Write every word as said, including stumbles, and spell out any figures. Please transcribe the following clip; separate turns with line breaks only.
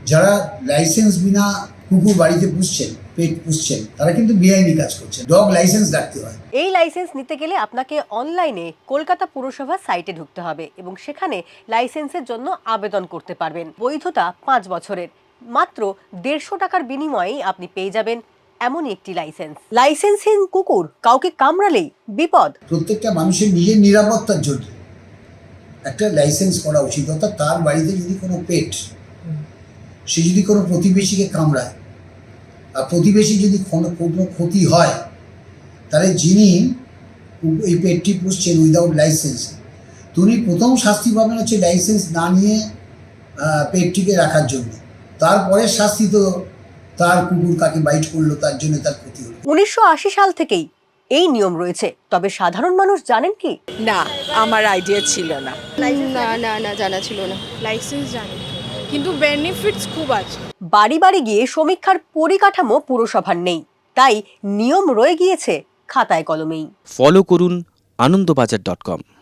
যারা লাইসেন্স বিনা কুকুর বাড়িতে পুষছেন, পেট পুষছেন, তারা কিন্তু বেআইনি কাজ করছেন। ডগ লাইসেন্স রাখতে হয়।
এই লাইসেন্স নিতে গেলে আপনাকে অনলাইনে কলকাতা পুরসভার সাইটে ঢুকতে হবে এবং সেখানে লাইসেন্সের জন্য আবেদন করতে পারবেন। বৈধতা পাঁচ বছরের। মাত্র দেড়শো টাকার বিনিময়েই আপনি পেয়ে যাবেন এমনই একটি লাইসেন্স। লাইসেন্সহীন কুকুর কাউকে কামড়ালেই বিপদ।
প্রত্যেকটা মানুষের নিজের নিরাপত্তার জন্য একটা লাইসেন্স করা উচিত। অর্থাৎ তার বাড়িতে যদি কোনো পেট, সে যদি কোনো প্রতিবেশীকে কামড়ায় আর প্রতিবেশী যদি কোনো কোনো ক্ষতি হয়, তাহলে যিনি এই পেটটি পুষছেন উইদাউট লাইসেন্স, তিনি প্রথম শাস্তি পাবেন হচ্ছে লাইসেন্স না নিয়ে পেটটিকে রাখার জন্য। তারপরে শাস্তি তো তার কুকুর কাকে বাইট করলো তার জন্য তার ক্ষতি হলো।
উনিশশো আশি সাল থেকেই এই নিয়ম রয়েছে, তবে সাধারণ মানুষ জানেন কি?
না, আমার আইডিয়া ছিল না।
না না না জানা ছিল না।
লাইসেন্স জানি, কিন্তু বেনিফিটস খুব আছে।
বাড়ি বাড়ি গিয়ে সমীক্ষার পরিকাঠামো পুরসভার নেই, তাই নিয়ম রয়ে গিয়েছে খাতায় কলমেই।
ফলো করুন আনন্দবাজার ডট কম।